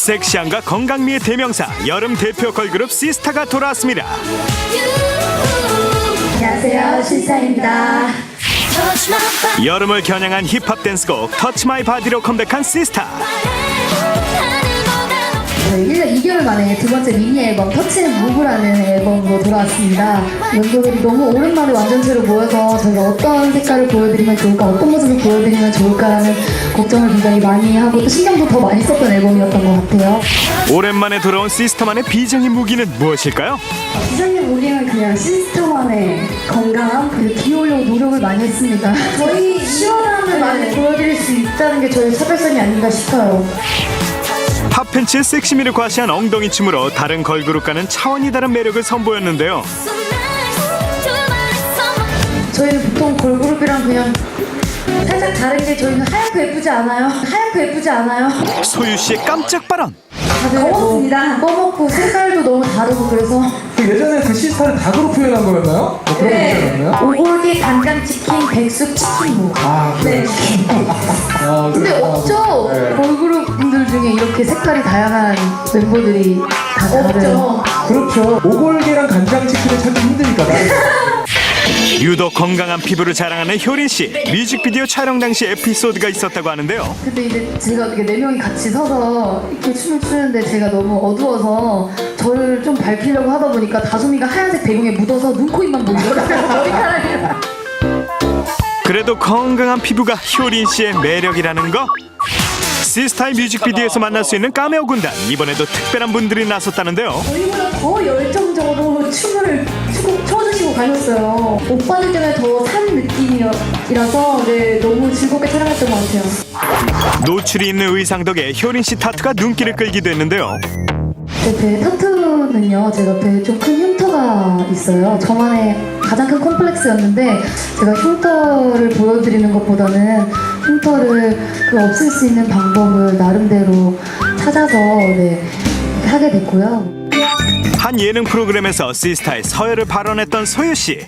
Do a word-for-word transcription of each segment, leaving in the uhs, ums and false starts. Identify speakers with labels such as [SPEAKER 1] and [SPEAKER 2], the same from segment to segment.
[SPEAKER 1] 섹시함과 건강미의 대명사 여름 대표 걸그룹 시스타가 돌아왔습니다.
[SPEAKER 2] 안녕하세요, 시스타입니다.
[SPEAKER 1] 여름을 겨냥한 힙합 댄스곡 터치 마이 바디로 컴백한 시스타.
[SPEAKER 2] 저희 일 년 이 개월 만에 두 번째 미니 앨범 터치 앤 무브라는 앨범으로 돌아왔습니다. 멤버들이 너무 오랜만에 완전체로 모여서 저희가 어떤 색깔을 보여드리면 좋을까, 어떤 모습을 보여드리면 좋을까라는 걱정을 굉장히 많이 하고 또 신경도 더 많이 썼던 앨범이었던 것 같아요.
[SPEAKER 1] 오랜만에 돌아온 시스타만의 비장의 무기는 무엇일까요?
[SPEAKER 2] 비장의 무기는 그냥 시스타만의 건강함, 그리고 귀여우려고 노력을 많이 했습니다. 저희 시원함을 많이 보여드릴 수 있다는 게 저희 차별성이 아닌가 싶어요.
[SPEAKER 1] 팝팬츠의 섹시미를 과시한 엉덩이 춤으로 다른 걸그룹과는 차원이 다른 매력을 선보였는데요.
[SPEAKER 2] 저희는 보통 걸그룹이랑 그냥 살짝 다른 게 저희는 하얗고 예쁘지 않아요. 하얗고 예쁘지 않아요.
[SPEAKER 1] 소유 씨의 깜짝 발언.
[SPEAKER 2] 검었습니다. 검었고 색깔도 너무 다르고 그래서
[SPEAKER 3] 예전에 그 시스타를 닭으로 표현한 거였나요? 뭐 그런 거였나요?
[SPEAKER 2] 오골계 간장치킨 백숙 치킨무.
[SPEAKER 3] 아,
[SPEAKER 2] 네.
[SPEAKER 3] 아,
[SPEAKER 2] 근데 없죠?
[SPEAKER 3] 네.
[SPEAKER 2] 걸그룹 분들 중에 이렇게 색깔이 다양한 멤버들이 다 다르죠.
[SPEAKER 3] 그렇죠. 오골계랑 간장치킨을 찾기 힘드니까.
[SPEAKER 1] 유독 건강한 피부를 자랑하는 효린 씨. 뮤직비디오 촬영 당시 에피소드가 있었다고 하는데요.
[SPEAKER 2] 근데 이제 제가 이렇게 네 명이 같이 서서 이렇게 춤을 추는데 제가 너무 어두워서 저를 좀 밝히려고 하다 보니까 다솜이가 하얀색 배경에 묻어서 눈, 코, 입만 보이더라고요. 머리카락이랑.
[SPEAKER 1] 그래도 건강한 피부가 효린 씨의 매력이라는 거. 시스타의 뮤직비디오에서 만날 수 있는 까메오 군단. 이번에도 특별한 분들이 나섰다는데요.
[SPEAKER 2] 저희보다 더 열정적으로 춤을 추고, 춰주시고 가셨어요. 오빠들 때문에 더 산 느낌이라서 네, 너무 즐겁게 촬영했던 것 같아요.
[SPEAKER 1] 노출이 있는 의상 덕에 효린 씨 타투가 눈길을 끌기도 했는데요.
[SPEAKER 2] 제 배 타투는요, 제가 배에 좀 큰 흉터가 있어요. 저만의 가장 큰 콤플렉스였는데 제가 흉터를 보여드리는 것보다는 흉터를 그 없앨 수 있는 방법을 나름대로 찾아서 네, 하게 됐고요.
[SPEAKER 1] 한 예능 프로그램에서 시스타의 서열을 발언했던 소유 씨.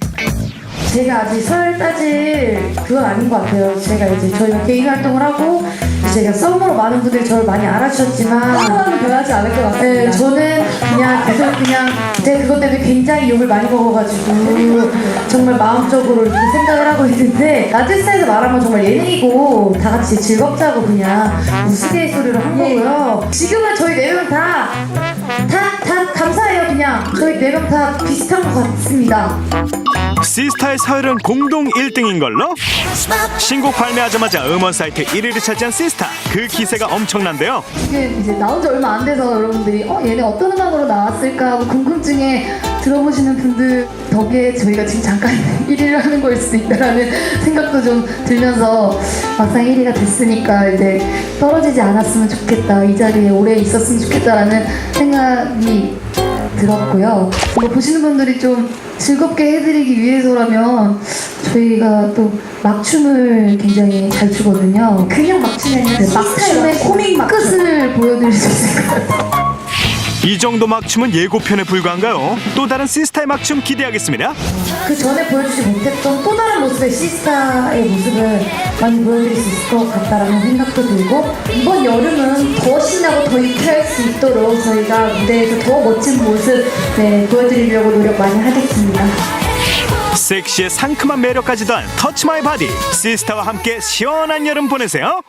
[SPEAKER 2] 제가 아직 서열 따질 그건 아닌 것 같아요. 제가 이제 저희가 개인 활동을 하고 제가 썸으로 많은 분들이 저를 많이 알아주셨지만 하나는 변하지 않을 것 같아요. 네, 저는 그냥 계속 그냥 제가 그것 때문에 굉장히 욕을 많이 먹어가지고 정말 마음적으로 이렇게 생각을 하고 있는데 라디오스타에서 말하면 정말 예능이고 다 같이 즐겁자고 그냥 우스갯소리로 한 거고요. 지금은 저희 네 명 다 다, 다 감사해요. 그냥 저희 네 명 다 비슷한 것 같습니다.
[SPEAKER 1] 시스타의 서열은 공동 일 등인 걸로. 신곡 발매하자마자 음원 사이트 일 위를 차지한 시스타. 그 기세가 엄청난데요.
[SPEAKER 2] 지금 이제 나온 지 얼마 안 돼서 여러분들이 어 얘네 어떤 음악으로 나왔을까 하고 궁금증에 들어보시는 분들 덕에 저희가 지금 잠깐 일 위를 하는 거일 수도 있다라는 생각도 좀 들면서 막상 일 위가 됐으니까 이제 떨어지지 않았으면 좋겠다, 이 자리에 오래 있었으면 좋겠다라는 생각이 들었고요. 뭐 보시는 분들이 좀 즐겁게 해드리기 위해서라면 저희가 또 막춤을 굉장히 잘 추거든요. 그냥 막춤이 아니라 막춤의 코믹 막 끝을 보여드릴 수 있을 것 같아요.
[SPEAKER 1] 이 정도 막춤은 예고편에 불과한가요? 또 다른 시스타의 막춤 기대하겠습니다.
[SPEAKER 2] 그 전에 보여주지 못했던 또 다른 모습의 시스타의 모습을 많이 보여드릴 수 있을 것 같다라는 생각도 들고 이번 여름은 더 신나고 더 유쾌할 수 있도록 저희가 무대에서 더 멋진 모습 네, 보여드리려고 노력 많이 하겠습니다.
[SPEAKER 1] 섹시의 상큼한 매력까지 더한 터치 마이 바디. 시스타와 함께 시원한 여름 보내세요.